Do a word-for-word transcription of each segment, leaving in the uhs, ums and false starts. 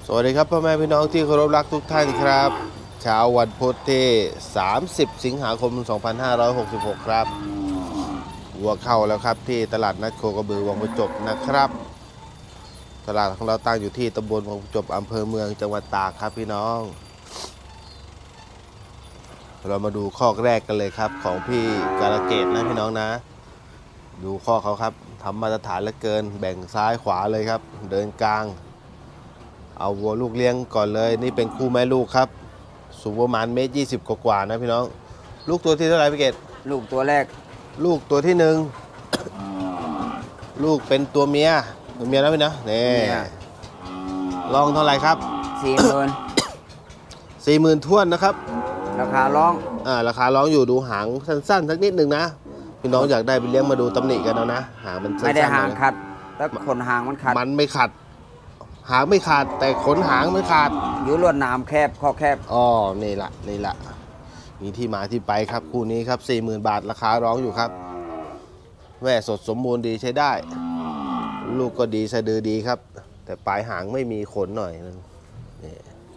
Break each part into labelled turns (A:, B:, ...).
A: วัสดีครับพ่อแม่พี่น้องที่เคารพรักทุกท่านครับเช้าวันพุธที่สามสิบสิงหาคมสองพันห้าร้อยหกสิบหกครับวัวเข้าแล้วครับที่ตลาดนัดโคกระบือวังประจบนะครับตลาดของเราตั้งอยู่ที่ตำบลวังประจบอำเภอเมืองจังหวัดตากครับพี่น้องเรามาดูข้อแรกกันเลยครับของพี่กาลเกตนะพี่น้องนะดูข้อเขาครับทำมาตรฐานเหลือเกินแบ่งซ้ายขวาเลยครับเดินกลางเอาวัวลูกเลี้ยงก่อนเลยนี่เป็นคู่แม่ลูกครับสูงประมาณเมตรยี่สิบกว่าๆนะพี่น้องลูกตัวที่เท่าไหร่พี่เกศ
B: ลูกตัวแรก
A: ลูกตัวที่หนึ่งลูกเป็นตัวเมียตัวเมียนะพี่นะนี่ลองเท่าไหร่ครับ
B: สี่หมื่น
A: สี่หมื่นท้วนนะครับ
B: ราคาร้อง
A: อ่าราคาร้องอยู่ดูหางสั้นๆสักนิดหนึ่งนะพี่น้องอยากได้ไปเลี้ยงมาดูตำหนิกันเอานะหางมันสั้นๆ
B: ไม่ได้หางขัดแต่ขนหางมันขัด
A: มันไม่ขัดหางไม่ขาดแต่ขนหางไม่ขาด
B: อยู่ลวดหนามแคบข้อแคบ
A: อ๋อนี่ละนี่ละมีที่มาที่ไปครับคู่นี้ครับ สี่หมื่น บาทราคาร้องอยู่ครับแม่สดสมบูรณ์ดีใช้ได้ลูกก็ดีสะดือดีครับแต่ปลายหางไม่มีขนหน่อยนึงนี่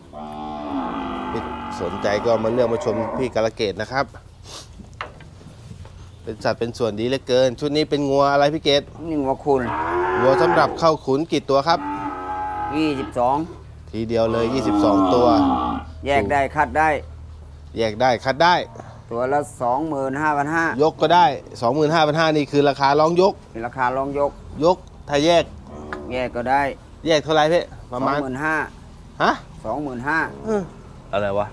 A: สนใจก็มาเลือกมาชมพี่กาลเกตนะครับเป็นสัตว์เป็นส่วนดีเหลือเกินชุดนี้เป็นงัวอะไรพี่เกต
B: นี่งัวคุณ
A: งัวสำหรับเข้าขุนกี่ตัวครับ
B: ยี่สิบสอง
A: ทีเดียวเลยยี่สิบสองตัว
B: แยกได้คัดได้
A: แยกได้คัดได้
B: ตัวละ สองหมื่นห้าพันห้าร้อย
A: ยกก็ได้ สองหมื่นห้าพันห้าร้อย นี่คือราคาร้องยก
B: ราคาร้องยก
A: ยกถ้าแยก
B: แยกก็ได้
A: แยกเท่าไหร่พี่ประมาณ
B: สองหมื่นห้า
A: พัน ฮะ
B: สองหมื่นห้าพัน
A: อะไรวะ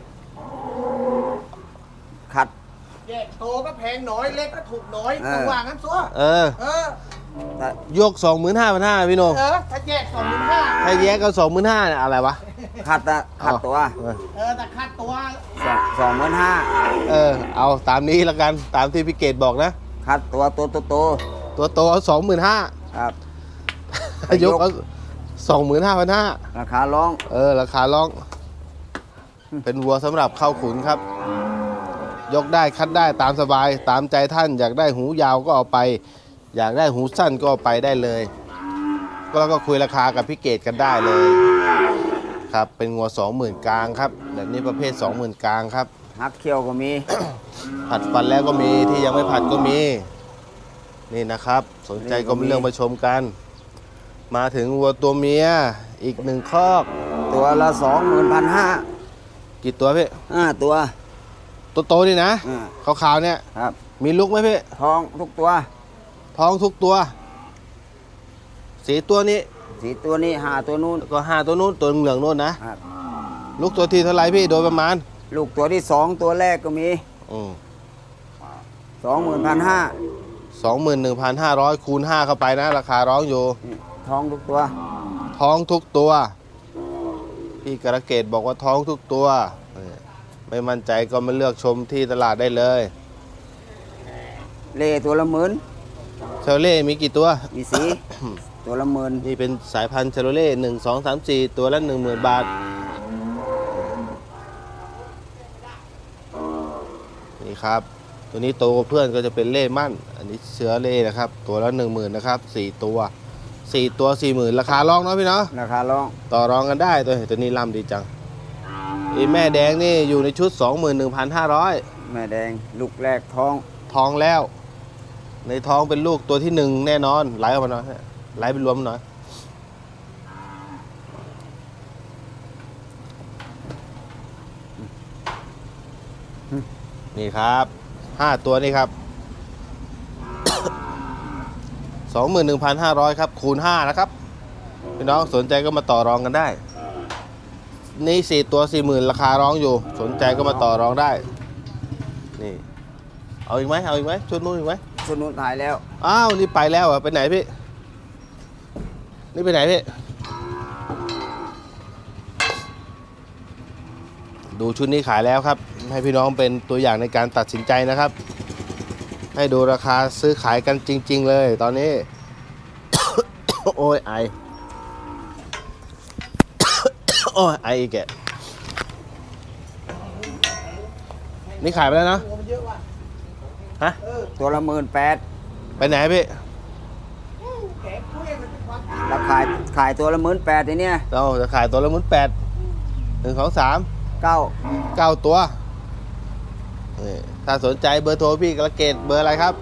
B: คัด
C: แยกโตก็แพงน้อยเล็กก็ถูกน้อยต้องว่างั้นซัว
A: เออ
C: เออย
A: ก สองหมื่นห้าพันห้าร้อย พี่โน
C: เออถ้าแยก สองหมื่นห้าพัน
A: ถ้าแยกก็ สองหมื่นห้าพัน อะไรวะ
B: คัดอะคัดตัว
C: เออแต่คัดตัว
B: สองหมื่นห้า
A: เออเอาตามนี้แล้วกันตามที่พี่เกตบอกนะ
B: คัดตัวตัวโตโต
A: ตัวโตเอาสองหมื่นห้า
B: ครับ
A: ยกเอาสองหมื่นห้าพันห้า
B: ราคาร้อง
A: เออราคาร้องเป็นวัวสำหรับเข้าขุนครับยกได้คัดได้ตามสบายตามใจท่านอยากได้หูยาวก็เอาไปอยากได้หูสั้นก็เอาไปได้เลยก็แล้วก็คุยราคากับพี่เกตกันได้เลยครับเป็นงัวสองหมื่นกลางครับแบบนี้ประเภทสองหมื่นกลางครับ
B: ฮักเคียวก็มี
A: ผัดฟันแล้วก็มีที่ยังไม่ผัดก็มีนี่นะครับสนใจก็มาเรื่องมาชมกันมาถึงวัวตัวเมียอีกหนึ่งคอก
B: ตัวละสองหมื่นพันห้า
A: กี่ตัวพี่
B: ห้าตัว
A: ตัวโตนี่นะขาวๆเนี่ย
B: ครับ
A: มีลูกไหมพี่
B: ท้องทุกตัว
A: ท้องทุกตัวสีตัวนี้
B: สีตัวนี้ห้าตัวนู้น
A: ก็ห้าตัวนู้นตัวเหลืองนู้นนะลูกตัวที่เท่าไรพี่โดยประมาณ
B: ลูกตัวที่สองตัวแรกก็มีสองหมื่นพันห้า
A: สองหมื่นหนึ่งพันห้าร้อยคูณห้าเข้าไปนะราคาร้องอยู่
B: ท้องทุกตัว
A: ท้องทุกตัวพี่กระเกตบอกว่าท้องทุกตัวไม่มั่นใจก็มาเลือกชมที่ตลาดได้เลย
B: เล่ตัวละหมื่น
A: เชลเล่มีกี่ตัว
B: มีสีตัวละหมื่น
A: นี่เป็นสายพันธุ์เชลเล่หนึ่งสองสามสี่ตัวละหนึ่งหมื่นบาทนี่ครับตัวนี้โตเพื่อนก็จะเป็นเล่มั่นอันนี้เชื้อเล่นะครับตัวละหนึ่งหมื่นนะครับสี่ตัวสี่ตัวสี่หมื่นราคาร้องเนาะพี่เนาะ
B: ราคาร้อง
A: ต่อรองกันได้ตัวตัวนี้ล่ำดีจังอีแม่แดงนี่อยู่ในชุด สองหมื่นหนึ่งพันห้าร้อย
B: แม่แดงลูกแรกท้อง
A: ท้องแล้วในท้องเป็นลูกตัวที่หนึ่งแน่นอนไหลออกมาหน่อยไหลเป็นรวมหน่อยนี่ครับห้าตัวนี่ครับ สองหมื่นหนึ่งพันห้าร้อย ครับคูณห้านะครับพี่น้องสนใจก็มาต่อรองกันได้นี่สี่ตัว สี่หมื่น ราคาร้องอยู่สนใจก็มาต่อรองได้นี่เอาอีกไหมเอาอีกไหมชุดนู้นอีกไหม
B: ชุดนู้นถ่ายแล้ว
A: อ้าวนี่ไปแล้วเหรอไปไหนพี่นี่ไปไหนพี่ดูชุดนี้ขายแล้วครับให้พี่น้องเป็นตัวอย่างในการตัดสินใจนะครับให้ดูราคาซื้อขายกันจริงๆเลยตอนนี้ โอ้ยไอโอ้ยไออีกแกนี่ขายไปแล้วนะฮะ
B: ตัวละหมื่นแปด
A: ไปไหนพี่
B: ราคาขายตัวละหมื่นแปดทีเนี้ย
A: เราจะขายตัวละหมื่นแปดหนึ่งสองสาม
B: เก้า
A: เก้าตัวนี่ถ้าสนใจเบอร์โทรพี่กระเกตเบอร์อะไรครับ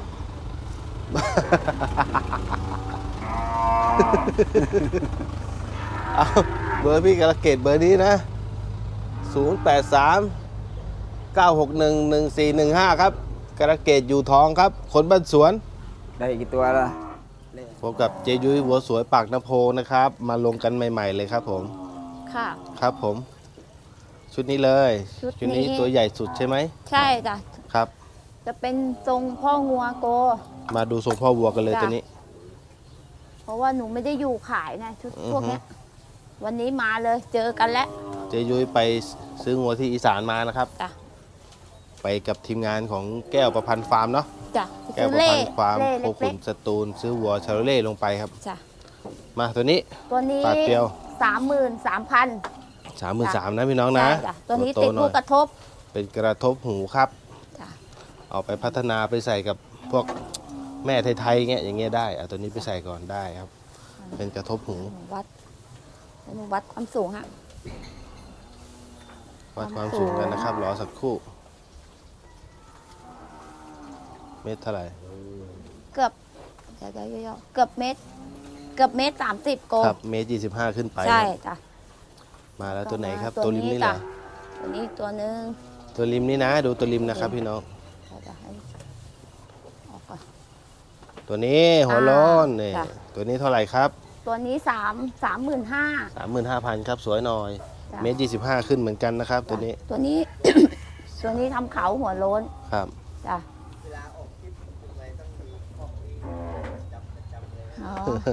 A: เอาเบอร์พี่กระเกตเบอร์นี้นะศูนย์ แปด สาม เก้า หก หนึ่ง หนึ่ง สี่ หนึ่ง ห้าครับกระเกตอยู่ทองครับคนบ้านสวน
B: ได้กี่ตัวละ
A: พบกับเจยุ้ยหัวสวยปากน้ำโพนะครับ มาลงกันใหม่ ๆ เลยครับผม
D: ค่ะ
A: ครับผม ชุดนี้เลย
D: ชุดนี้
A: นี้ตัวใหญ่สุดใช่ไหม
D: ใช่จ้ะ
A: ครับ
D: จะเป็นทรงพ่องัวโก
A: มาดูทรงพ่อวัวกันเลย
D: จ้ะ
A: ตัวนี้
D: เพราะว่าหนูไม่ได้อยู่ขายไงชุด
A: อือฮึ
D: พวกเนี้ยวันนี้มาเลยเจอกันแล้ว
A: เจยุ้ยไปซื้องัวที่อีสานมานะครับ
D: จ้ะ
A: ไปกับทีมงานของแก้วประพันธ์ฟาร์มเนาะ
D: จ้ะ
A: แก้ว
D: ซื้อ
A: ประ
D: เล่
A: พันธ์ฟาร์ม
D: เล่
A: โค
D: เล็
A: ขุ
D: ก
A: นสตูลซื้อวัวชาโรเล่ลงไปครับ
D: ๆจ้ะ
A: มาตัวนี้
D: ตัวนี้
A: ปาดเปรียว
D: สามหมื่นสามพัน
A: สามหมื่นสามนะพี่น้องนะ
D: จ้ะตัวนี้
A: โต
D: ติด
A: ๆหน่
D: ลู
A: อก ย
D: กระทบ
A: เป็นกระทบหูครับ
D: จ้ะ
A: เอาไปพัฒนาไปใส่กับพวกแม่ไทยๆเงี้ยอย่างเงี้ยได้เอาตัวนี้ไปใส่ก่อนได้ครับ เป็นกระทบหู
D: หนูวัดหนูวัดความสูงฮะ
A: วัดความสูงกันนะครับรอสักครู่ เมตรเท่าไหร่
D: เกือบเดี๋ยวเดี๋ยวเดี๋ยวเกือบเมตร เกือบเมตรสามสิบโก
A: ครับเมตรยี่สิบห้าขึ้นไป
D: ใช่
A: ครับ
D: จ้ะ
A: มาแล้วตัวไหนครับ
D: ต่อมา
A: ตัวริมนี่เหรอ
D: จ้ะตัวนี้ตัวหนึ่ง
A: ตัวริมนี่นะ ดูตัวริมนะครับพี่น้อง
D: เดี๋ยวจะให้ออกก่อน
A: ตัวนี้หัวโล้นนี่
D: จ้ะ
A: ตัวนี้เท่าไหร่ครับ
D: ตัวนี้สามสามหมื่นห้า
A: สามหมื่นห้าพันครับสวยหน่อย
D: จ้ะ
A: เมตรยี่สิบห้าขึ้นเหมือนกันนะครับ ตัวนี้
D: ตัวนี้ ตัวนี้ทำเขาหัวโล้น
A: ครับ
D: จ้ะอ๋อ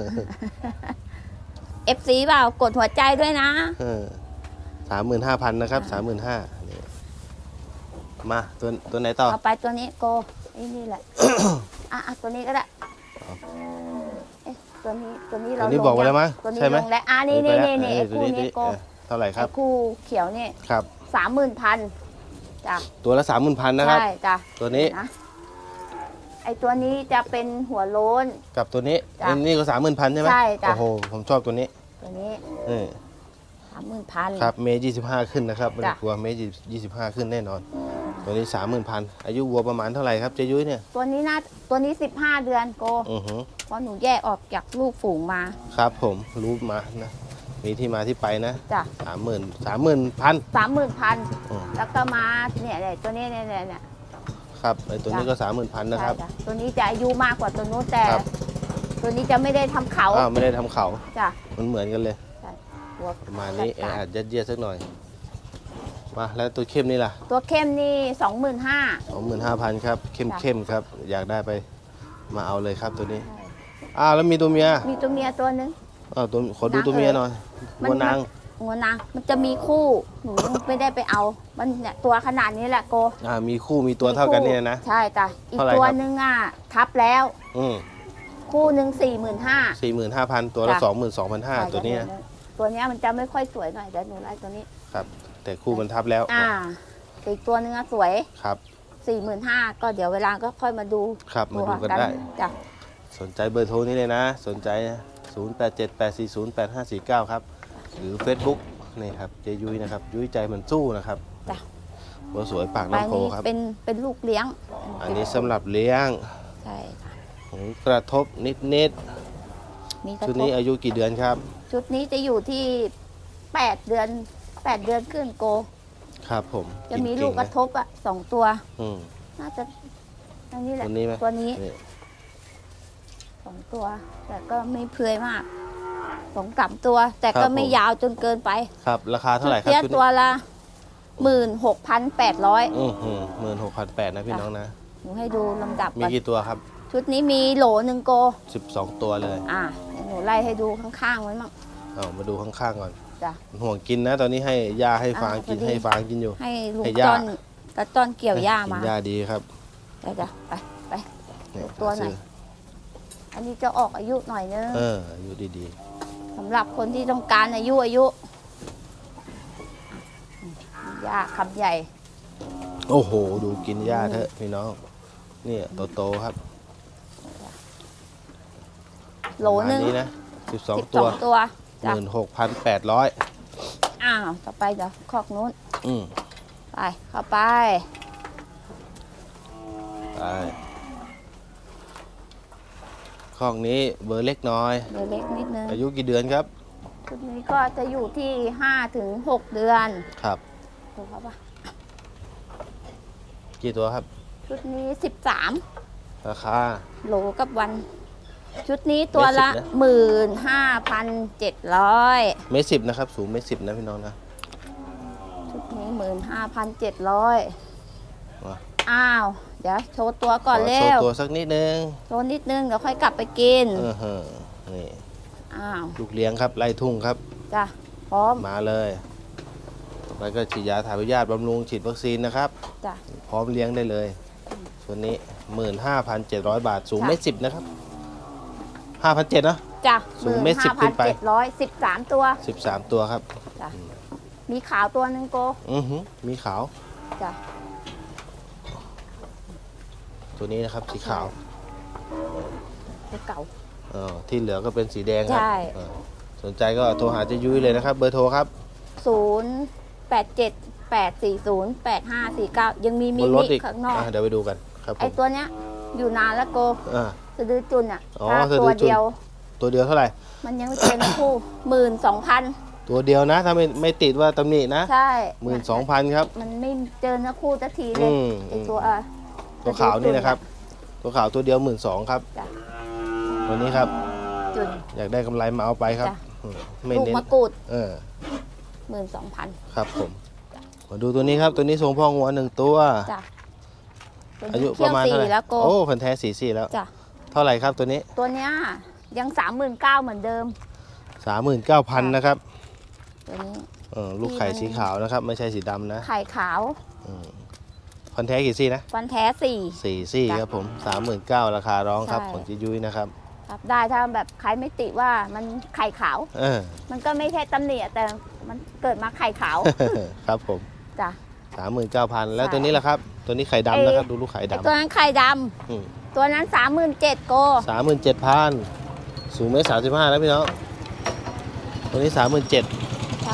D: เอฟซีเปล่ากดหัวใจด้วยนะ
A: สามหมื่นห้าพันนะครับสามหมื่นห้ามาตัวตัวไหนต่อ
D: เอาไปตัวนี้โกไอ้นี่แหละ อ่ะอ่ะตัวนี้ก็ได้เอ๊ะตัวนี้ตัวนี้
A: ตั
D: เรา
A: วนี้บอกไว้แล้วมั้ย
D: ตัวนี้
A: ใช่ไหม
D: ลงแล้วอ่ะนี่นี่นี่นี่
A: เอ
D: ไอ้
A: อตัว
D: คู่
A: นี้
D: นี้โก
A: เออเท่าไหร่ค
D: ไอ้
A: รับ
D: คู่เขียวนี่
A: ครับ
D: สามหมื่นพันจ้ะ
A: ตัวละสามหมื่นพันนะครับ
D: ใช่จ้ะ
A: ตัวนี้
D: นะไอ้ตัวนี้จะเป็นหัวโล้น
A: กับตัวนี้
D: จ้ะ
A: ไอ้นี่ก็สามหมื่นพันใช่ไหม
D: ใช่จ้ะ
A: โอ้โหผมชอบตัวนี้
D: ตัวนี้
A: นี่
D: สามหมื่นพัน
A: ครับเมตรยี่สิบห้าขึ้นนะครับไม่ต้อง
D: จ้ะ
A: กลัวเมตรยี่สิบห้าขึ้นแน่นอน ตัวนี้สามหมื่นพันอายุวัวประมาณเท่าไหร่ครับเจยุ้ยเนี่ย
D: ตัวนี้น่าตัวนี้สิบห้าเดือนโก
A: อือหือ
D: เพราะหนูแยกออกจากลูกฝูงมา
A: ครับผมรู้มานะมีที่มาที่ไปนะ
D: จ้ะ
A: สามหมื่นสามหมื่นพัน
D: สามหมื่นพัน
A: อืม
D: แล้วก็มาเนี่ยเนี่ยตัวนี้เนี่ยเนี่ยเนี่ย
A: ครับไอ้ตัวนี้
D: จ้ะ
A: ก็สามหมื่นพันนะครับ
D: ใช่จ้ะตัวนี้จะอายุมากกว่าตัวนู้นแต่
A: ครับ
D: ตัวนี้จะไม่ได้ทำเขา
A: อ้าวไม่ได้ทำเขา
D: จ้ะ
A: มันเหมือนกันเลย
D: ใช่หัว
A: ประมาณนี้แอ
D: จัด
A: อัดยัดเยียดสักหน่อย มาแล้วตัวเข้มนี่ล่ะ
D: ตัวเข้มนี่สองหมื่นห้า
A: สองหมื่นห้าพันครับเข้ม
D: จ้ะ
A: เข้มครับ อยากได้ไปมาเอาเลยครับตัวนี้อ้าวแล้วมีตัวเมีย
D: มีตัวเมียตัวหนึง
A: อ้าวตัวขอดู
D: นาง
A: ตัวเมีย
D: เอ๋ย
A: หน่อย
D: มัน
A: วัวนาง
D: หัวนางมันจะมีคู่หนูยังไม่ได้ไปเอา มันเนี่ยตัวขนาดนี้แหละโก
A: อ่ามีคู่มีตัวเท่ากันเนี่ยนะ
D: ใช่จ้ะอีก
A: เท่าไหร่
D: ตัว
A: ครับ
D: หนึงอ่ะทับแล้ว
A: อืม
D: คู่หนึ่งสี่หมื่นห้า
A: สี่หมื่นห้าพันตัวละ
D: จ้ะ
A: สองหมื่นสองพันห้าตัวเนี้ย
D: ตัวเนี้ยมันจะไม่ค่อยสวยหน่อยเดี๋ยวหนูไล่ตัวนี้
A: ครับ แต่คู่มันทับแล้ว
D: อ่าอีกตัวหนึงอะสวย
A: ครับ
D: สี่หมื่นห้าก็เดี๋ยวเวลาก็ค่อยมาดู
A: ครับมาดูกันได้
D: จ้ะ
A: สนใจเบอร์โทรนี้เลยนะ สนใจศูนย์ แปด เจ็ด แปด สี่ ศูนย์ แปด ห้า สี่ เก้าครับ หรือ Facebook นี่ครับเจยุ้ยนะครับ ยุ้ยใจมันสู้นะครับ
D: จ้ะ
A: หัวสวยปาก
D: ใบ
A: น้ำโพ
D: นี้
A: ครับ
D: เป็นเป็นลูกเลี้ยง
A: อันนี้สำหรับเลี้ยง
D: ใช่ค่ะ
A: หูกระทบนิดนิด
D: มีก
A: ๆ
D: ระ
A: ชุด
D: ท
A: นี้
D: บ
A: อายุกี่เดือนครับ
D: ชุดนี้จะอยู่ที่แปดเดือนแปดเดือนขึ้นโก
A: ครับผม
D: จะมี
A: นเง
D: ลูกกระ
A: น
D: ทบอ่ะสองตัว
A: อืม
D: น่าจะอันนี้แหละ
A: ตัวนี้ไหม
D: ตัวนี้
A: นี่
D: สองตัว แต่ก็ไม่เพลือยมากสองสามตัว แต่ก็ไม่ยาวจนเกินไป
A: ครับ ราคาเท่าไหร่ครับ
D: เตี้ย
A: ชุด
D: ตัว
A: นี้
D: ละหมื่นหกพันแปดร้อย
A: อือหือหมื่นหกพันแปดนะพี่น้องนะ
D: หนูให้ดูลำดับ
A: มี
D: ก่อน
A: กี่ตัวครับ
D: ชุดนี้มีโหลหนึ่งโก
A: สิบสองตัวเลย
D: อ่าเดี๋ยวหนูไล่ให้ดูข้างๆไว้มั่ง
A: เอามาดูข้างๆก่อน
D: จ้ะ
A: ห่วงกินนะ ตอนนี้ให้ยาให้ฟาง
D: อ่า
A: กิน
D: พอดี
A: ให้ฟางกินอยู่
D: ให้ลุง
A: ให้ย่า
D: จอนตาจอนเกี่ยวหญ้ามา
A: กินยาดีครับ
D: เดี๋ยวจ้ะไปไป
A: นี่
D: ดูตัวหน่อย
A: ซื้อ
D: อันนี้จะออกอายุหน่อยนึง
A: เอออายุดี
D: สำหรับคนที่ต้องการอายุอายุหญ้าคำใหญ่
A: ๆ โอ้โห ดูกินหญ้าเถอะพี่น้องนี่โตๆครับ
D: โหลหนึ่ง
A: ประมาณนี้นะสิบสอง
D: สิบ
A: ตั
D: ส
A: ว
D: องตัว
A: หมื่นหกพันแปดร้อย
D: อ้าวต่อไปเดี๋ยวคอกนู้น
A: อืม
D: ไปเข้าไป
A: ไปคอกนี้เบอร์เล็กน้อย
D: เดี๋ยวเล็กนิดนึง
A: อายุกี่เดือนครับ
D: ชุดนี้ก็จะอยู่ที่ห้าถึงหกเดือน
A: ครับ
D: ถูกครับปะ
A: กี่ตัวครับ
D: ชุดนี้สิบสาม
A: ราคา
D: โหลกับวัน ชุดนี้ตัวละ
A: เมตรสิบนะ
D: หมื่นห้าพันเจ็ดร้อย
A: เมตรสิบนะครับ สูงเมตรสิบนะพี่น้องนะ
D: ชุดนี้หมื่นห้าพันเจ็ดร้อย
A: มา
D: อ้าว เดี๋ยวโชว์ตัวก่อน
A: ข
D: เร็
A: โชว์
D: ว
A: ตัวสักนิดนึง
D: โชว์นิดนึง เดี๋ยวค่อยกลับไปกิน
A: เออเฮ้อนี่
D: อ้าว
A: ลูกเลี้ยงครับไล่ทุ่งครับ
D: จ้ะ พร้อม
A: มาเลยต่อไปก็ฉีดยาถ่ายพยาธิบำรุงฉีดวัคซีนนะครับ
D: จ้ะ
A: พร้อมเลี้ยงได้เลยส่วนนี้ หมื่นห้าพันเจ็ดร้อย บาท สูง
D: ค่ะ
A: เมตรสิบนะครับ ห้าพันเจ็ดนะ
D: จ้ะ
A: สูงเมตรสิบขึ้นไป
D: เจ็ดร้อยสิบสามตัว
A: สิบสามตัวครับ
D: จ้ะ มีขาวตัวหนึ่งโก
A: อือหือมีขาว
D: จ้ะ
A: ตัวนี้นะครับสีขาว
D: ตัวเก่า
A: เออที่เหลือก็เป็นสีแดงครับ
D: ใช่
A: เออสนใจก็โทรหาเจยุ้ยเลยนะครับ เบอร์โทรครับ
D: ศูนย์แปดเจ็ดแปดสี่ศูนย์แปดห้าสี่เก้ายังมี
A: บ
D: มิ
A: นรถ
D: นิ
A: อีก
D: ข้างนอก
A: อ่ะเดี๋ยวไปดูกันครับผ
D: ไอ
A: ม
D: ตัวเนี้ยอยู่นานแล้วโก
A: อ่า
D: สะดือจุนอ่ะ
A: อ๋อ
D: ถ้า
A: สะดื
D: ตัว
A: อจุล
D: เดียว
A: ตัวเดียวเท่าไหร่
D: มันยังไม่เป็นคู่หมื่นสองพัน
A: ตัวเดียวนะ ถ้าไม่ไม่ติดว่าตำหนินะ
D: ใช่
A: หมื่นสองพันครับ
D: มันไม่เจอเนื้อคู่สักทีเล
A: อื
D: ย
A: ม
D: ไอตัวอ่ะ
A: ตัวขาวนี่นะครับ ตัวขาวตัวเดียวหมื่นสองครับ
D: จ้ะ
A: วันนี้ครับ
D: จุน
A: อยากได้กำไรมาเอาไปครับ
D: จ้ะ
A: อืมไม่
D: ลูก
A: เน้น
D: มะกรูด
A: เออ
D: หมื่นสองพัน
A: ครับผม มาดูตัวนี้ครับ ตัวนี้ทรงพ่องัวหนึ่งตัว
D: จ้ะตัว
A: อา
D: นี้
A: ยุป
D: เที่ย
A: ระ
D: ว
A: มาณ
D: สี่
A: เท่าไหร่
D: แล้วโก
A: โอ้พันธุ์แท้สีสี่แล้ว
D: จ้ะ
A: เท่าไหร่ครับตัวนี้
D: ตัวเนี้ยยังสามหมื่นเก้าเหมือนเดิม
A: สามหมื่นเก้าพันนะครับ
D: ตัวนี้
A: เออลูกไข่สีขาวนะครับ ไม่ใช่สีดำนะ
D: ไข่ขาว
A: อืมพันธุ์แท้กี่ซี่นะ
D: ฟันแท้สี่
A: สี่ซี่
D: จ้ะ
A: ครับผมสามหมื่นเก้าราคาร้องครับ
D: ใช่
A: ของจิยุ้ยนะครับ
D: ครับได้ถ้าแบบใครไม่ติว่ามันไข่ขาว
A: เออ
D: มันก็ไม่ใช่ตำหนิอะแต่มันเกิดมาไข่ขาว
A: ครับผม
D: จ้ะ
A: สามหมื่นเก้าพันแล้ว
D: ใช่
A: ตัวนี้ล่ะครับ ตัวนี้ไข่
D: เอ่
A: ดำ
D: ย
A: นะครับ ดูลูกไข่
D: ไอ
A: ดำ
D: ตัวนั้นไข่ด
A: อืม
D: ำตัวนั้นสามหมื่นเจ็ดโก
A: สามหมื่นเจ็ดพันสูงเมตรสามสิบห้าแล้วพี่น้องตัวนี้สามหมื่นเจ็ด
D: ใช่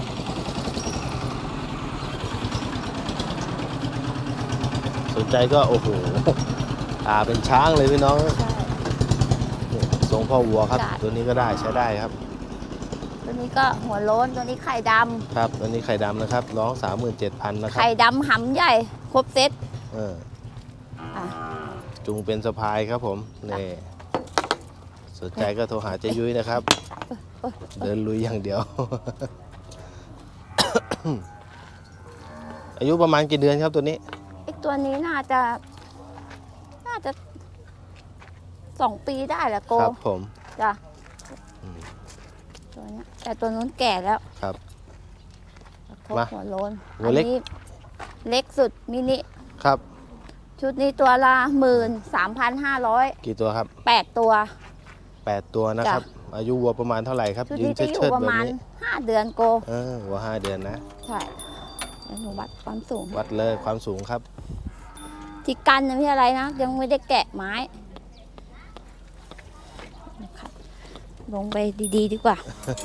A: สนใจก็โอ้โหตาเป็นช้างเลยพี่น้อง
D: ใช่
A: ทรงพ่อวัวครับ
D: จ้ะ
A: ตัวนี้ก็ได้ใช้ได้ครับ
D: ตัวนี้ก็หัวโล้นตัวนี้ไข่ด
A: ครับตัวนี้ไข่ดำนะครับร้องสามหมื่นเจ็ดพันนะ
D: ำ
A: ครับ
D: ไข่ดำหำใหญ่ ครบเซต
A: เออ
D: อ่ะ
A: จุงเป็นสะพายครับผมนี่สนใจก็โทรหาเจยุ้ยนะครับ
D: เอ้ย
A: เดินลุยอย่างเดียว อายุประมาณกี่เดือนครับตัวนี้
D: ไอตัวนี้น่าจะ น่าจะสองปีได้แหละโก
A: ครับผม
D: จ้ะ
A: อืม
D: ตัวเนี้ยแต่ตัวนู้นแก่แล้ว
A: ครับ
D: ครบ
A: มา
D: หัวโล้น
A: หัวเล็ก
D: อันนี้เล็กสุดมินิ
A: ครับ
D: ชุดนี้ตัวละหมื่นสามพันห้าร้อย
A: กี่ตัวครับ
D: แปดตัว
A: แปดตัวนะครับ อายุวัวประมาณเท่าไหร่ครับ
D: ชุด
A: ยืน
D: นี้จะอยู่
A: เชิด
D: ป
A: ๆ
D: ระ
A: แบบ
D: มาณ
A: นี้
D: ห้าเดือนโก
A: เออวัวห้าเดือนนะ
D: ใช่แล้วหนูวัดความสูง
A: วัดเลยความสูงครับ
D: ที่กันนะไม่ใช่อะไรนะ ยังไม่ได้แกะไม้นะครับลงไปดีๆดีกว่า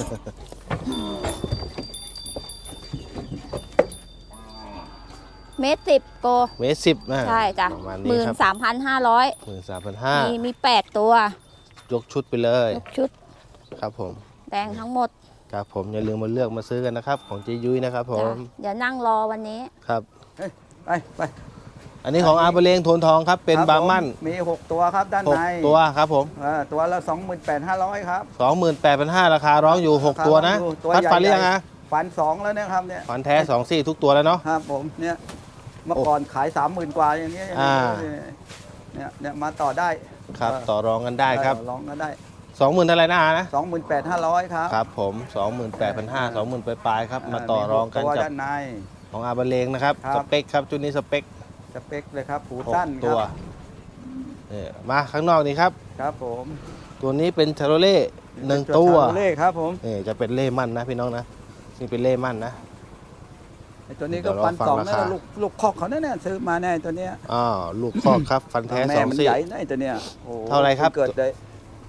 D: เมตรสิบโก
A: เมตรสิบนะ
D: ใช่จ้ะ
A: ประมาณ
D: ห
A: นี้
D: มื่น
A: ครับ
D: สามพันห้าร้อย
A: หมื่นสามพันห้า
D: มีมีแปดตัวย
A: กชุดไปเลย
D: ยกชุด
A: ครับผม
D: แดงทั้งหมด
A: ครับผมอย่าลืมมาเลือกมาซื้อกันนะครับ ของเจยุ้ยนะครับผ
D: จ้ะ
A: ม
D: เดี๋ยวนั่งรอวันนี้
A: ครับ
B: ไปไป
A: อันนี้ของอาเบเลงโทนทองครับเป็น
B: ครับ
A: บาร์มั่น
B: ผมีหกตัวครับด้าน
A: หก
B: ใน
A: ตัวครับผม
B: เออตัวละสองหมื่นแปดห้าร้อยครับ
A: สองหมื่นแปดพันห้าราคาร้องอยู่หกตัวนะ
B: ตัว
A: พัด
B: ใหญ่
A: ฟันหรือยังฮะ
B: ฟันสองแล้วเนะครับเนี่ย
A: ฟันแท้สองซี่ทุกตัวแล้วเนาะ
B: ครับผมเนี่ยเมื่อก่อนขายสามหมื่นกว่าอย่างเงี้ย
A: อ่า
B: เนี่ยเนี่ยมาต่อได้
A: ครับ
B: เออ
A: ต่อรองกันได้ครับ
B: เออลองก็ได้
A: สองหมื่นเท่าไหร่นะอานะ
B: สองหมื่นแปดห้าร้อยครับ
A: ครับผมสองหมื่นแปดพันห้าสองหมื่นปลายๆครับมาต่อรองกัน
B: มีหตัว
A: กับ
B: ด้านใน
A: ของอาเบเลงนะครับ
B: ครับ
A: สเปคครับชุดนี้สเปค
B: สเปคเลยครับหู
A: หก
B: สั้นค
A: ตัว
B: รับ
A: นี่มาข้างนอกนี่ครับ
B: ครับผม
A: ตัวนี้เป็นชาโรเล่หนึ่งตัว
B: ชาโรเล่ครับผม
A: นี่จะเป็นเล่มั่นนะพี่น้องนะนี่เป็นเล่มั่นนะ
B: ไอ้ตัวนี้
A: เดี๋
B: ก็
A: ยวรอ
B: ฟัน
A: ฟัง
B: สอง
A: รา
B: นะ
A: คา
B: ลูกลูกคอกเขาแน่ๆซื้อมาแน่ตัวเนี้ย
A: อ๋อลูกคอกครับฟันแท้
B: แม่
A: สอง
B: มัน
A: ซี่
B: ใหญ่นะไอ้ตัวเนี้ยโอ้โห
A: เท่าไหร่ครับ
B: เกิดได้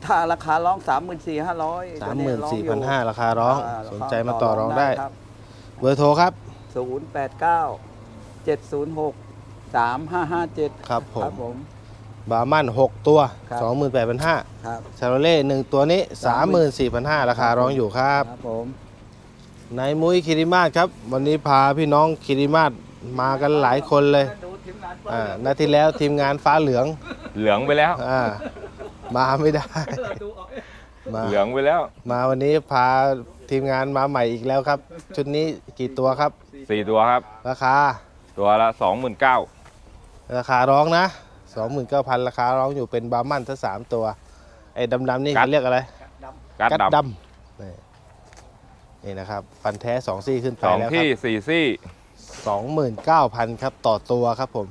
B: ถ้าราคาร้องสามหมื่นสี่ห้าร้อย
A: สามหมื่นสี่พันห้าราคาร้องสนใจมาต่อรองได้
B: ครับ
A: เบอร์โทรครับ
B: ศูนย์แปดเก้าเจ็ดศูนย์หกสามห้าห้าเจ็ด
A: ครับผม
B: ครับผม
A: บาร์มันหกตัว
B: ครับ
A: สองหมื่นแปดพันห้า
B: ครับ
A: ชาโรเล่หนึ่งตัวนี้ สามหมื่นสี่พันห้าราคาร้องอยู่ครับ
B: ครับผม
A: นายมุ้ยคิริมาศครับ วันนี้พาพี่น้องคิริมาศมากันหลายคนเลยอ่านาทีแล้วทีมงานฟ้าเหลือง
E: เหลืองไปแล้ว
A: อ่ามาไม่ได้มา
E: เหลืองไปแล้ว
A: มาวันนี้พาทีมงานมาใหม่อีกแล้วครับ ชุดนี้กี่ตัวครับ
E: สี่ตัวครับ
A: ราคา
E: ตัวละสองหมื่นเก้า
A: ราคาร้องนะ สองหมื่นเก้าพัน ราคาร้องอยู่เป็นบาร์มันทั้งสามตัวไอ้ดำๆนี่เขาเรียกอะไร
E: กัด
A: กัด
E: ด
A: ดำนี่นี่นะครับฟันแท้สองซี่ขึ้น
E: ำ
A: ไป
E: สอง
A: แล้วค
E: ที่
A: รับ
E: สี่ซี่
A: สองหมื่นเก้าพันครับต่อตัวครับผม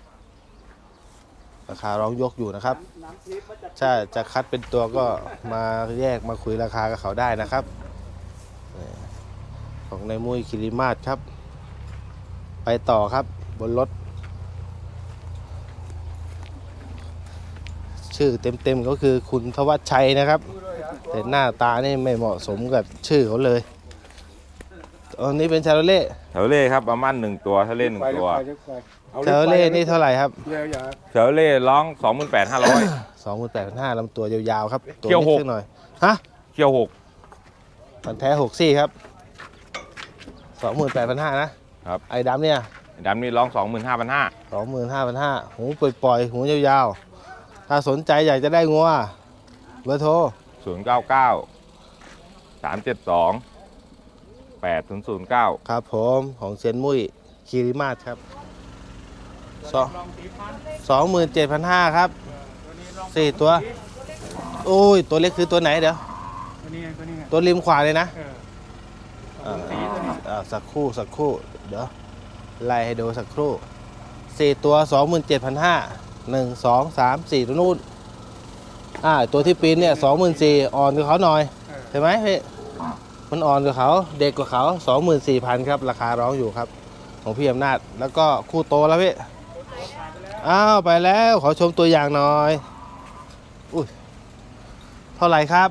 A: ราคาร้องยกอยู่นะครับถ้าจะคัดเป็นตัวก็มาแยกมาคุยราคากับเขาได้นะครับนี่ของนายมุ้ยคิริมาศครับ ไปต่อครับบนรถ ชื่อเต็มๆก็คือคุณทวัชชัยนะครับ แต่หน้าตานี่ไม่เหมาะสมกับชื่อเขาเลยอันนี้เป็นชาโรเล่
E: เชลเล่ครับประมาณหนึ่งตัวถ้าเล่นหนึ่งตัว
A: ชาโรเล่นี่เท่าไหร่ครับ
E: เชลเล่ร้องสองหมื่นแปดห้าร้อย
A: สองหมื่นแปดพันห้าลำตัวยาวๆครับ ตัว
E: เขี้ยว
A: นิด
E: หก
A: สักหน่อย ฮะ
E: เคี่ยวหก
A: มันแท้หกซี่ครับสองหมื่นแปดพันห้านะครับ ไอ้ดำเนี่ย
E: ดำนี่ร้องสองหมื่นห้าพันห้า
A: สองหมื่นห้าพันห้าหูปล่อยๆหูยาวๆ ถ้าสนใจอยากจะได้งัวเบอร์โทร
E: ศูนย์เก้าเก้าสามเจ็ดสองแปดศูนย์ศูนย์เก้า
A: ครับผมของเซียนมุ้ยคีริมาศครับสองสองหมื่นเจ็ดพันห้าครับสี่ตัว โอ้ย ตัวเล็กคือตัวไหนเดี๋ยว
F: ตัวนี้ไงตัวนี้ไง
A: ตัวริมขวาเลยนะ
F: เออ
A: อ่า
F: สีตัวนี้
A: อ่าสักครู่สักครู่เดี๋ยวไล่ให้ดูสักครู่สี่ตัวสองหมื่นเจ็ดพันห้าหนึ่งสองสามสี่ตัวนู้นอ่าตัวที่ปีนเนี่ยสองหมื่นสี่อ่อนกว่าเขาหน่อยใช่ไหมพี่มันอ่อนกว่าเขาเด็กกว่าเขาสองหมื่นสี่พันครับ ราคาร้องอยู่ครับ ของพี่อำนาจแล้วก็คู่โตแล้วพี่อ้าวไปแล้วขอชมตัวอย่างหน่อยอุ้ยเท่าไหร่ครับ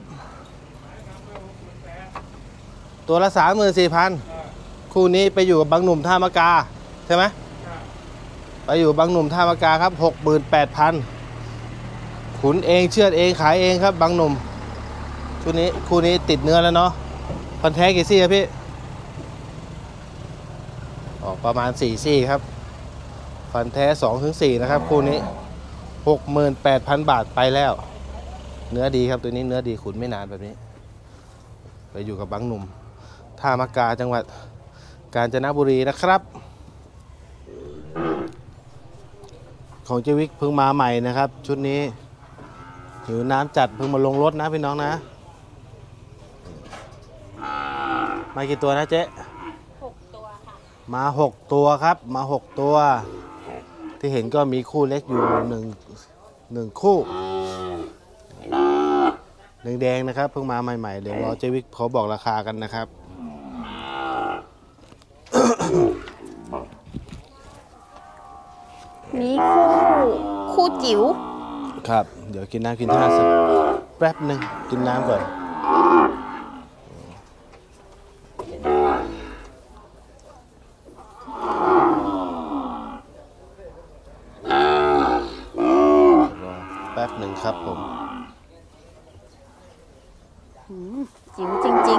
A: ตัวละสามหมื่นสี่พันคู่นี้ไปอยู่กับบางหนุ่มท่ามะกาใช่ไหมไปอยู่บางหนุ่มท่ามะกาครับหกหมื่นแปดพันขุนเองเชือดเองขายเองครับบางหนุ่มคู่นี้คู่นี้ติดเนื้อแล้วเนาะพันแท้กี่ซี่ครับพี่ออกประมาณสี่ซี่ครับฟันแท้สองถึงสี่นะครับคู่นี้หกหมื่นแปดพันบาทไปแล้วเนื้อดีครับตัวนี้เนื้อดีขุนไม่นานแบบนี้ไปอยู่กับบางหนุ่มท่ามะกาจังหวัดกาญจนบุรีนะครับของเจวิกเพิ่งมาใหม่นะครับชุดนี้หิวน้ำจัดเพิ่งมาลงรถนะพี่น้องนะมากี่ตัวนะเจ๊
D: หกตัวค่ะ
A: มาหกตัวครับมาหกตัว ที่เห็นก็มีคู่เล็กอยู่หนึ่งหนึ่งคู่แดงๆนะครับเพิ่งมาใหม่ๆเดี๋ยวรอเจวิกเขาบอกราคากันนะครับ
D: มีคู่คู่จิ๋ว
A: ครับ เดี๋ยวกินน้ำกินท่าสักแป๊บหนึ่งกินน้ำก่อนแป๊บหนึ่งครับผม
D: หืมจิ๋วจริง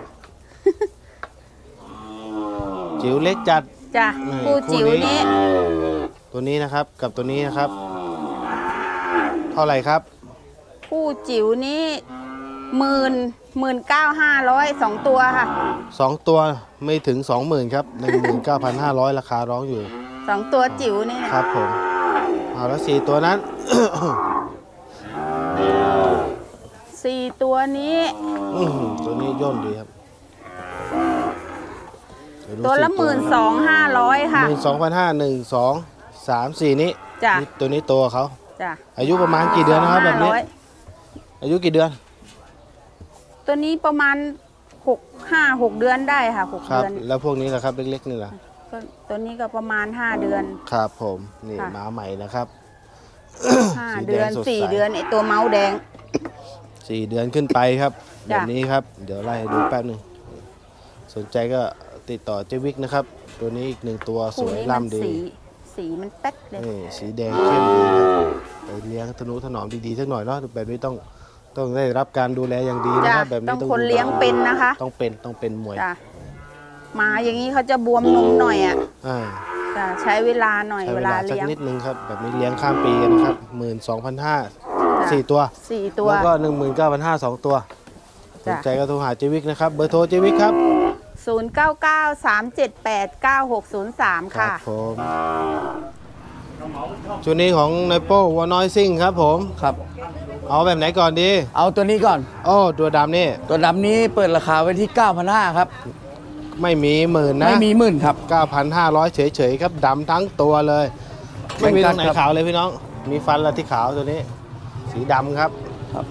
A: จิ๋วเล็กจัด
D: ๆจ้ะ
A: นี่
D: คู่จิ๋ว
A: คู่นี้
D: นี้
A: ตัวนี้นะครับกับตัวนี้นะครับ เท่าไหร่ครับ
D: คู่จิ๋วนี้หมื่นหมื่นเก้าห้าร้อยสองตัวค่ะ
A: สองตัวไม่ถึง สองหมื่น ครับ หนึ่งหมื่นเก้าพันห้าร้อย ราคาร้องอยู่
D: สองตัวจิ๋วนี่นะครับ
A: ผมเอาแล้วสี่ตัวนั้น
D: สี่ตัวนี้
A: อื้อหือตัวนี้ย่นดีครับเดี๋ยดู
D: ตัวละ
A: สี่
D: หมื่นสองห้าร้อยค่ะ
A: หมื่นสองพันห้าหนึ่งสองสามสี่นี้
D: จ้ะ
A: นี่ตัวนี้ตัวเขา
D: จ้ะ
A: อายุประมาณกี่เดือนนะครับแบบนี้
D: ห้าร้อย
A: อายุกี่เดือน
D: ตัวนี้ประมาณหกห้าหกเดือนได้ค่ะหก
A: ครับ
D: เดือน
A: แล้วพวกนี้ล่ะครับเล็กๆนี่ล่ะ
D: ก็ตัวนี้ก็ประมาณห้าเดือน
A: ครับผมนี่
D: ค่ะ
A: มาใหม่นะครับ
D: ห้า
A: สีแดง
D: เดือน
A: สดใส
D: สี่เดือนไอตัวเมาส์แดง
A: สี่เดือนขึ้นไปครับแบ
D: จ้ะ
A: บนี้ครับ เดี๋ยวไล่ให้ดูแป๊บหนึ่งสนใจก็ติดต่อเจวิกนะครับ ตัวนี้อีกหนึ่งตัวส
D: คู่
A: วย
D: นี้มัน
A: ล่ำดี
D: สีสีมันแป๊ดเลย
A: นี่สีแดงเข้มดีครับไปเลี้ยงทนุถนอมดีๆสักหน่อยเนาะแบบนี้ต้องต้องได้รับการดูแลอย่างดีนะ
D: จ้ะ
A: ครับแบบ
D: ต้
A: นี้
D: อง
A: ต้อง
D: คน
A: ดู
D: เลี้ยงเป็นนะคะ
A: ต้องเป็นต้องเป็นมวย
D: จ้ะหมาอย่างนี้เขาจะบวมนมหน่อยอ่ะ
A: อ่า
D: จ้ะใช้เวลาหน่อย
A: ใช้
D: เว
A: เว
D: ลา
A: ลาสัก
D: เลี้ยง
A: นิดนึงครับแบบนี้เลี้ยงข้ามปีกันนะครับหมื่นสองพันห้าสี่ตัว
D: สี่ตัว
A: แล้วก็หนึ่งหมื่นเก้าพันห้าสองตัวส
D: จ้ะ
A: นใจก็โทรหาเจวิกนะครับเบอร์โทรเจวิกครับ
D: ศูนย์เก้าเก้าสามเจ็ดแปดเก้าหกศูนย์สาม
A: ครั
D: ค่ะ
A: บผมชุดนี้ของนายโป้วัวน้อยซิ่งครับผม
B: ครับ
A: เอาแบบไหนก่อนดี
B: เอาตัวนี้ก่อน
A: โอ้ตัวดำนี่
B: ตัวดำนี้เปิดราคาไว้ที่ เก้าพันห้าร้อย ครับ
A: ไม่มีหมื่นนะ
B: ไม่มีหมื่นครับ
A: 9,500 เฉยๆครับดำทั้งตัวเลย ไม่มีตรงไหน
B: ครับ
A: ขาวเลยพี่น้อง มีฟันละที่ขาวตัวนี้ สีดำครับ
B: ครับ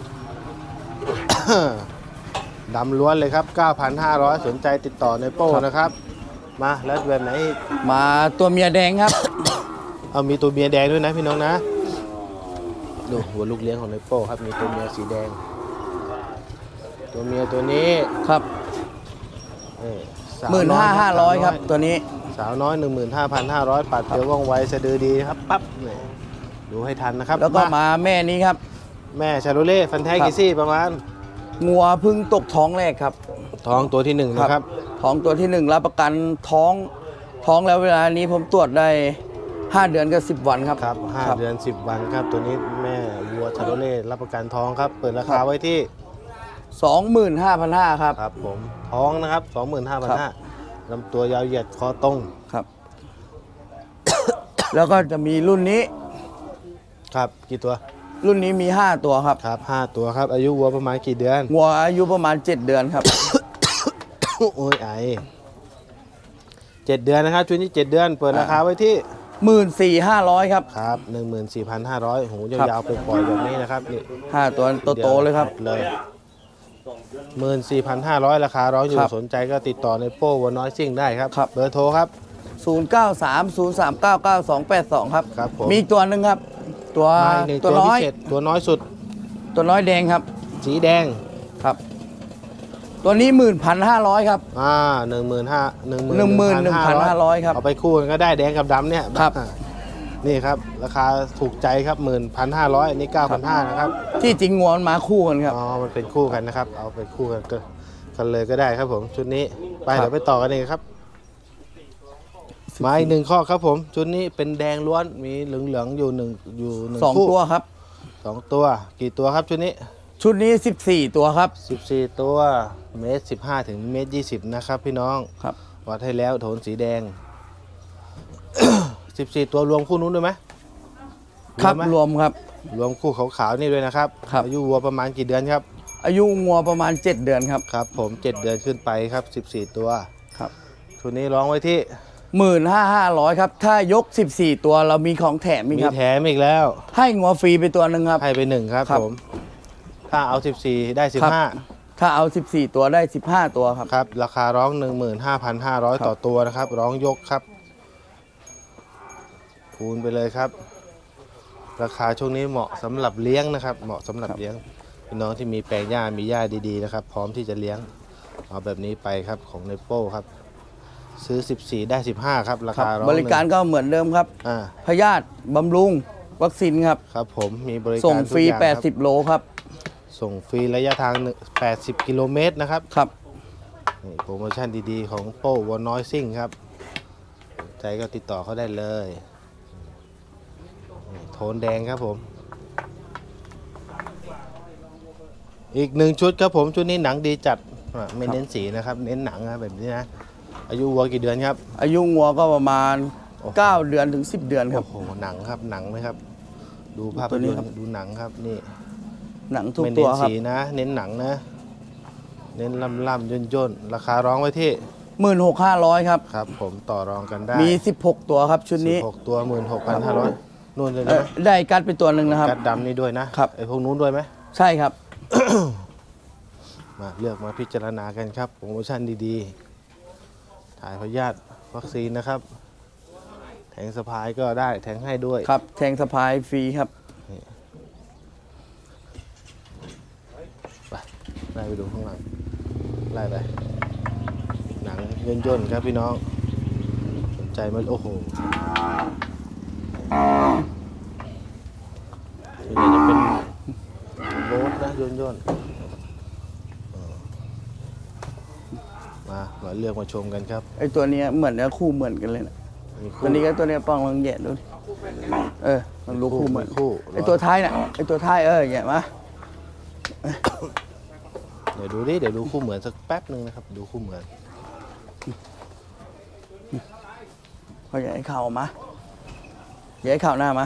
A: ดำล้วนเลยครับ 9,500 สนใจติดต่อในโป้นะครับ มาแล้วแบบไหนอีก
B: มาตัวเมียแดงครับ
A: เอามีตัวเมียแดงด้วยนะพี่น้องนะดูหัวลูกเลี้ยงของในโป้ครับมีตัวเมียสีแดง ตัวเมียตัวนี้
B: ครับ
A: นี่สว
B: หมื่น
A: อย
B: ห้าห้าร้อยครับ
A: สาวน้
B: ตัวนี้
A: สาวน้อย 15,500 ปัดเดียวว่องไวสะดือดีนะครับปั๊บนี่ดูให้ทันนะครับ
B: แล้วก็มาแม่นี้ครับ
A: แม่ชาโรเล่ฟันแท้
B: ครับ
A: กี่ซี่ประมาณ
B: งัวเพึ่งตกท้องแรกครับ
A: ท้องตัวที่หนึ่งนะครับ
B: ท้องตัวที่หนึ่งรับประกันท้องท้องแล้วเวลานี้ผมตรวจได้ห้าเดือนกับสิบวันครับ
A: ครับห้าเดือนสิบวันครับ ตัวนี้แม่วัวชาโรเล่รับประกันท้องครับ เปิดราคาไว้ที่
B: สองหมื่นห้าพันห้าร้อย ครับ
A: ครับผมท้องนะครับ 25,500ลำตัวยาวเหยียดคอตรง
B: ครับ แล้วก็จะมีรุ่นนี้
A: ครับกี่ตัว
B: รุ่นนี้มีห้าตัวครับ
A: ครับห้าตัวครับ อายุวัวประมาณกี่เดือน
B: งัวอายุประมาณเจ็ดเดือนครับ
A: โอ้ยไอเจ็ดเดือนนะครับชุดนี้เจ็ดเดือน เปิดราคาไว้ที่
B: หมื่นสี่ห้าร้อยครับ
A: ครับ หนึ่งหมื่นสี่พันห้าร้อย หู
B: ครับ
A: ยาวๆไปปล่อยแบบนี้นะครับนี่
B: ห้าตัวโตๆเลยครับ
A: เลยหมื่นสี่พันห้าร้อยราคาร้องอยู่
B: ครับ
A: สนใจก็ติดต่อในโป้วัวน้อยซิ่งได้ครับ
B: ครับ
A: เบอร์โทรครับ
B: ศูนย์ เก้า สาม ศูนย์ สาม เก้า เก้า สอง แปด สองครับ
A: ครับผม
B: มีอีกตัวหนึ่งครับ ตัว
A: มาอีกหนึ่ง
B: ตั
A: ตัว ว
B: น้
A: พิ
B: อย
A: เศษตัวน้อยสุด
B: ตัวน้อยแดงครับ
A: สีแดง
B: ครับ ตัวนี้หมื่นพันห้าร้อยครับ
A: อ่าหนึ่งหมื่นห้าหนึ่งหมื่น
B: หนึ่งหมื่นหนึ่งพันห้าร้อยครับ
A: เอาไปคู่กันก็ได้แดงกับดำเนี่ย
B: ครับ
A: อ่านี่ครับ ราคาถูกใจครับหมื่นพันห้าร้อยอันนี้เก้าพันห้านะครับ
B: ที่จริงงัวมันมาคู่กันครับ
A: อ๋อมันเป็นคู่กันนะครับ เอาไปคู่กันก็กันเลยก็ได้ครับผมชุดนี้ไป
B: ครับ
A: เดี๋ยวไปต่อกันเองครับ มาอีกหนึ่งข้อครับผมชุดนี้เป็นแดงล้วนมีเหลืองๆอยู่หนึ่งอยู่หนึ่ง
B: สอง
A: คู่
B: ตัวครับ
A: สองตัวกี่ตัวครับชุดนี้
B: ชุดนี้สิบสี่ตัวครับ
A: สิบสี่ตัวเมตรสิบห้าถึงเมตรยี่สิบนะครับพี่น้อง
B: ครับ
A: วัดให้แล้วโทนสีแดง สิบสี่ตัวรวมคู่นู้นด้วยไหม
B: ครับ
A: ไหม
B: รวมครับ
A: รวมคู่ขาวๆนี่ด้วยนะครับ
B: ครับ
A: อายุวัวประมาณกี่เดือนครับ
B: อายุงัวประมาณเจ็ดเดือนครับ
A: ครับผมเจ็ดเดือนขึ้นไปครับสิบสี่ตัว
B: ครับ
A: ชุดนี้ร้องไว้ที่
B: หมื่นห้าห้าร้อยครับ ถ้ายกสิบสี่ตัวเรามีของแถมอีก
A: มี
B: ครับ
A: แถมอีกแล้ว
B: ให้งัวฟรีไปตัวหนึ่งครับ
A: ให้ไปหนึ่งครับ
B: ครับ
A: ผมถ้าเอาสิบสี่ได้สิบ
B: ครับ
A: ห้า
B: ถ้าเอาสิบสี่ตัวได้สิบห้าตัวครับ
A: ครับราคาร้อง หนึ่งหมื่นห้าพันห้าร้อย
B: ครับ
A: ต่อตัวนะครับ ร้องยกครับคูณไปเลยครับ ราคาช่วงนี้เหมาะสำหรับเลี้ยงนะครับ เหมาะสำหรับเลี้ยงพี่น้องที่มีแปลงหญ้ามีหญ้าดีๆนะครับ พร้อมที่จะเลี้ยงเอาแบบนี้ไปครับของเนโป้ครับ ซื้อ สิบสี่ ได้ สิบห้า ครับ รา
B: ครับ
A: คาร้อง
B: บริการก็เหมือนเดิมครับ
A: อ่า
B: พยาธิบำรุงวัคซีนครับ
A: ครับผมมีบริการ
B: ส่งฟรี
A: ทุกอย่างคบ
B: แปดสิบโลครับ
A: ส่งฟรีระยะทางหนึ่งแปดสิบกิโลเมตรนะครับ
B: ครับ
A: นี่โปรโมชั่นดีๆ ของโป้วัวน้อยซิ่งครับสนใจก็ติดต่อเขาได้เลยนี่โทนแดงครับผม อีกหนึ่งชุดครับผม ชุดนี้หนังดีจัดอ่ะไม่เน้นสีนะครับ เน้นหนังนะแบบนี้นะ อายุวัวกี่เดือนครับ
B: อายุงัวก็ประมาณ
A: โอ้โห
B: เก้าเดือนถึงสิบเดือนครับ
A: โอ้โหหนังครับหนังไหมครับ ดูภาพ
B: ตัวย นี้
A: นต
B: ครับ
A: ร์ดูหนังครับนี่
B: หนังทุก
A: ไม่
B: ตั
A: เน้
B: วน ครับ
A: สีนะ เน้นหนังนะ เน้นล่ำล่ำย่นย่นๆราคาร้องไว้ที่
B: หมื่นหกห้าร้อยครับ
A: ครับ ผมต่อรองกันได้
B: มีสิบหกตัวครับชุดนี้
A: สิบหกตัวหมื่นหกพันห้าร้อยนู่นเลย
B: เอ่
A: นะ
B: อได้กัดไปตัวหนึ่งนะครับ
A: กัดดำนี่ด้วยนะครับ ไอ้พวกนู้นด้วยไหม
B: ใช่ครับ
A: มาเลือกมาพิจารณากันครับโปรโมชั่นดีๆ ถ่ายพยาธิวัคซีนนะครับ แทงสะพายก็ได้แทงให้ด้วย
B: ครับแทงสะพายฟรีครับ
A: ไปดูข้างหลังไล่ไปหนังย่นย่นๆครับพี่น้องสนใจมันโอ้โหทีนี้จะเป็นโบ๊ทนะย่นย่นๆเออมามาเลือกมาชมกันครับ
B: ไอตัวเนี้ยเหมือนเนื้อคู่เหมือนกันเลยนะ
A: มีคู่
B: ตัวนี้ก็ตัวเนี้ยป้องลองแยะดูดิเออมันรู้คู่เหมือน
A: คู่
B: ไอตัวท้ายน่ะไอตัวท้ายเออแยะมา
A: เดี๋ยวดูดิเดี๋ยวดูคู่เหมือนสักแป๊บหนึ่งนะครับดูคู่เหมือน
B: เขาแยะให้เข่ามาแยะให้เข่าหน้ามา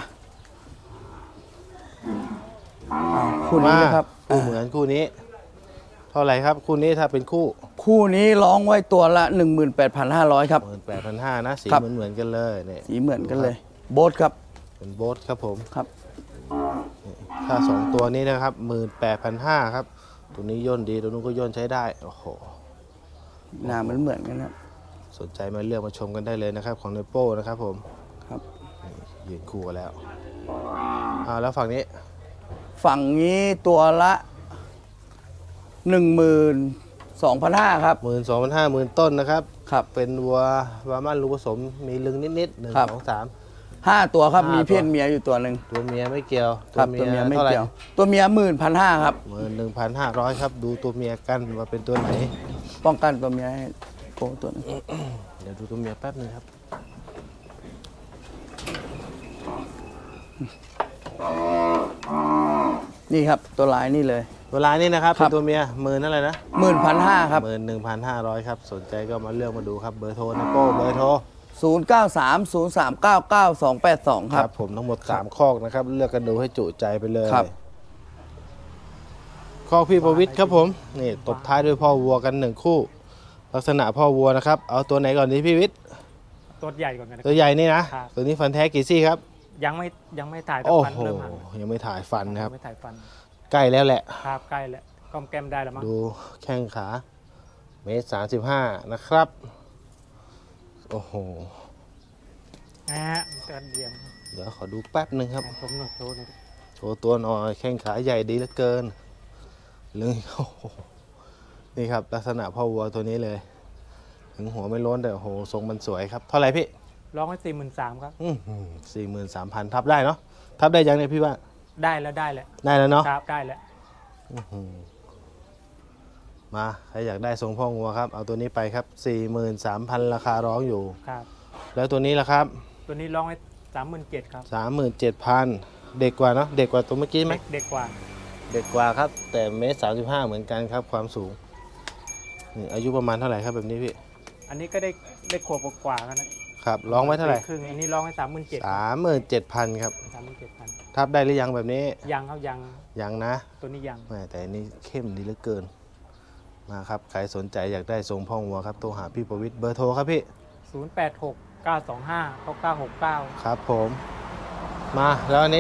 B: อ้าวคู่นี้นะครับ
A: คู่เหมือนคู่นี้ เท่าไหร่ครับคู่นี้ถ้าเป็นคู่
B: คู่นี้ร้องไว้ตัวละ หนึ่งหมื่นแปดพันห้าร้อย ครับ
A: หมื่นแปดพันห้านะสี
B: ครับ
A: เหมือนเหมือนกันเลยเนี่ย
B: สีเหมือนกันเลย โบ๊ทครับ
A: เป็นโบ๊ทครับผม
B: ครับ
A: ถ้าสองตัวนี้นะครับหมื่นแปดพันห้าครับตัวนี้ย่นดีตัวนู้นก็ย่นใช้ได้โอ้โห
B: หน้ามันเหมือนกันครับ
A: สนใจมาเลือกมาชมกันได้เลยนะครับของเนโป้นะครับผม
B: ครับ
A: ยืนคู่กันแล้วอ่าแล้วฝั่งนี้
B: ฝั่งนี้ตัวละ หนึ่งหมื่นสองพันห้าร้อย ครับ
A: หมื่นสองพันห้าหมื่นต้นนะครับ
B: ครับ
A: เป็นวัววามันลูกผสมมีลึงนิดๆหนึ่ง
B: ครับ
A: สองสาม
B: ห้าตัวครับ
A: ห้ามี
B: มีเพศเมียอยู่ตัวหนึ่ง
A: ตัวเมียไม่เกี่ยว
B: ครับตัวเมียไม่
A: ท่าหร่
B: เกี่ยว ตัวเมียหมื่นพันห้าครับ
A: หมื่นหนึ่งพันห้าร้อยครับ ดูตัวเมียกันว่าเป็นตัวไหน
B: ป้องกันตัวเมียให้โปตัวหนึง
A: เดี๋ยวดูตัวเมียแป๊บนึงครับ
B: นี่ครับตัวลายนี่เลย
A: เวลานี้นะครับ
B: ครั
A: เป็
B: บ
A: นตัวเมียหมื่นอะไรนะ
B: หมื่นพันห้าครับ
A: หมื่นหนึ่งพันห้าร้อยครับ สนใจก็มาเลือกมาดูครับเบอร์โทรนะโป้เบอร์โทร
B: ศูนย์ เก้า สาม ศูนย์ สาม เก้า เก้า สอง แปด สอง ครับ
A: ผมทั้งหมดสามคอกนะครับ เลือกกันดูให้จุใจไปเลย
B: ครับ
A: คอกพี่ประวิทย์ครับผมนี่ตบท้ายด้วยพ่อวัวกันหนึ่งคู่ ลักษณะพ่อวัวนะครับเอาตัวไหนก่อนดีพี่วิทย์
F: ตัวใหญ่ก่อนกันนะ
A: ตัวใหญ่นี่นะครับ ตัวนี้ฟันแท้กี่ซี่ครับ
F: ยังไม่ยังไม่ถ่ายแต่
A: โอ้
F: ฟัน
A: โห
F: เริ่มห่าง
A: ยังไม่ถ่ายฟันนะครับ
F: ยังไม่ถ่ายฟัน
A: ใกล้แล้วแหละ
F: ครับใกล้แล้วก้มแก้มได้แล้วมั้ง
A: ดูแข้งขาเมตรสามสิบห้านะครับ โอ้โห
F: อ่าตัวเดียว
A: เดี๋ยวขอดูแป๊บหนึ่งครับ
F: ผมหน่อยโชว์หน่อย
A: โชว์ตัวหน่อยแข้งขาใหญ่ดีเหลือเกินเรื่องโอ้โหนี่ครับลักษณะพ่อวัวตัวนี้เลยถึงหัวไม่ล้นแต่โอ้โหทรงมันสวยครับเท่าไหร่พี่
F: ร้องไว้สี่หมื่นสามครับ
A: สี่หมื่นสามพันทับได้เนาะทับได้ยังเนี่ยพี่ว่า
F: ได้แล้วได้แล้ว
A: ได้แล้วเนาะ
F: ครับได้แล้ว
A: อื้อหือมาใครอยากได้ทรงพ่องัวครับเอาตัวนี้ไปครับสี่หมื่นสามพันราคาร้องอยู่
F: ครับ
A: แล้วตัวนี้ล่ะครับ
F: ตัวนี้ร้องไว้สามหมื่นเจ็ดครับ
A: สามหมื่นเจ็ดพันเด็กกว่าเนาะเด็กกว่าตัวเมื่อกี้ไหม
F: เด็กเด็กกว่า
A: เด็กกว่าครับ แต่เมตรสามสิบห้าเหมือนกันครับความสูงนี่อายุประมาณเท่าไหร่ครับแบบนี้พี่
F: อันนี้ก็ได้ได้ขวบกว่าๆกันนะครับ
A: ร้องไว้เท่าไหร่
F: ครึ่งอันนี้ร้องไว้สามหมื่นเจ็ด
A: สามหมื่นเจ็ดพันครับ
F: สามหมื่นเจ็ดพัน
A: ทับได้หรือยังแบบนี้
F: ยังครับยัง
A: ยังนะ
F: ตัวนี้ยัง
A: แหม่แต่อันนี้เข้มดีเหลือเกินมาครับใครสนใจอยากได้ทรงพ่องัวครับโทรหาพี่ประวิทย์เบอร์โทรครับพี่
F: ศูนย์แปดหกเก้าสองห้าเก้าเก้าหกเก้า
A: ครับผมมาแล้วอันนี้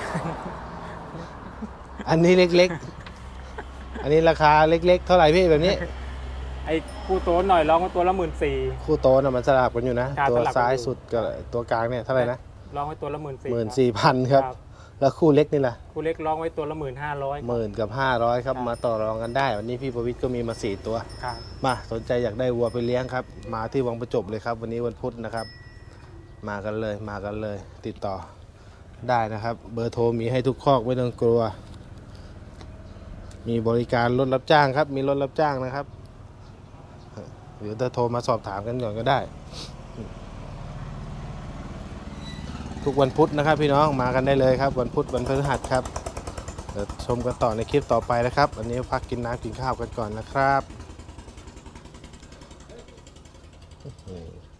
A: อันนี้เล็กๆ อันนี้ราคาเล็กๆ เท่าไหร่พี่แบบนี้
F: ไอ้คู่โตหน่อยร้องไว้ตัวละหมื่นสี่
A: คู่โตน่ะมันสลับกันอยู่นะ
F: ครับ
A: ตัว
F: สลับกันอยู่
A: ซ้ายสุดกับตัวกลางเนี่ยเท่าไหร่นะ
F: ร้องไว้ตัวละหมื่นสี่
A: หมื่นสี่พันครับ แล้วคู่เล็กนี่ล่ะ
F: คู่เล็กร้องไว้ตัวละหมื่นห้าร้อย
A: หมื่นกับห้าร้อยครับ
F: ครับ
A: มาต่อรองกันได้ วันนี้พี่ประวิทย์ก็มีมาสี่ตัว
F: ครับ
A: มาสนใจอยากได้วัวไปเลี้ยงครับ มาที่วังประจบเลยครับ วันนี้วันพุธนะครับ มากันเลยมากันเลย ติดต่อได้นะครับ เบอร์โทรมีให้ทุกคอกไม่ต้องกลัว มีบริการรถรับจ้างครับ มีรถรับจ้างนะครับหรือจะโทรมาสอบถามกันก่อนก็ได้ ทุกวันพุธนะครับพี่น้องมากันได้เลยครับ วันพุธวันพฤหัสครับเดี๋ยวชมกันต่อในคลิปต่อไปนะครับวันนี้พักกินน้ำกินข้าวกันก่อนนะครับ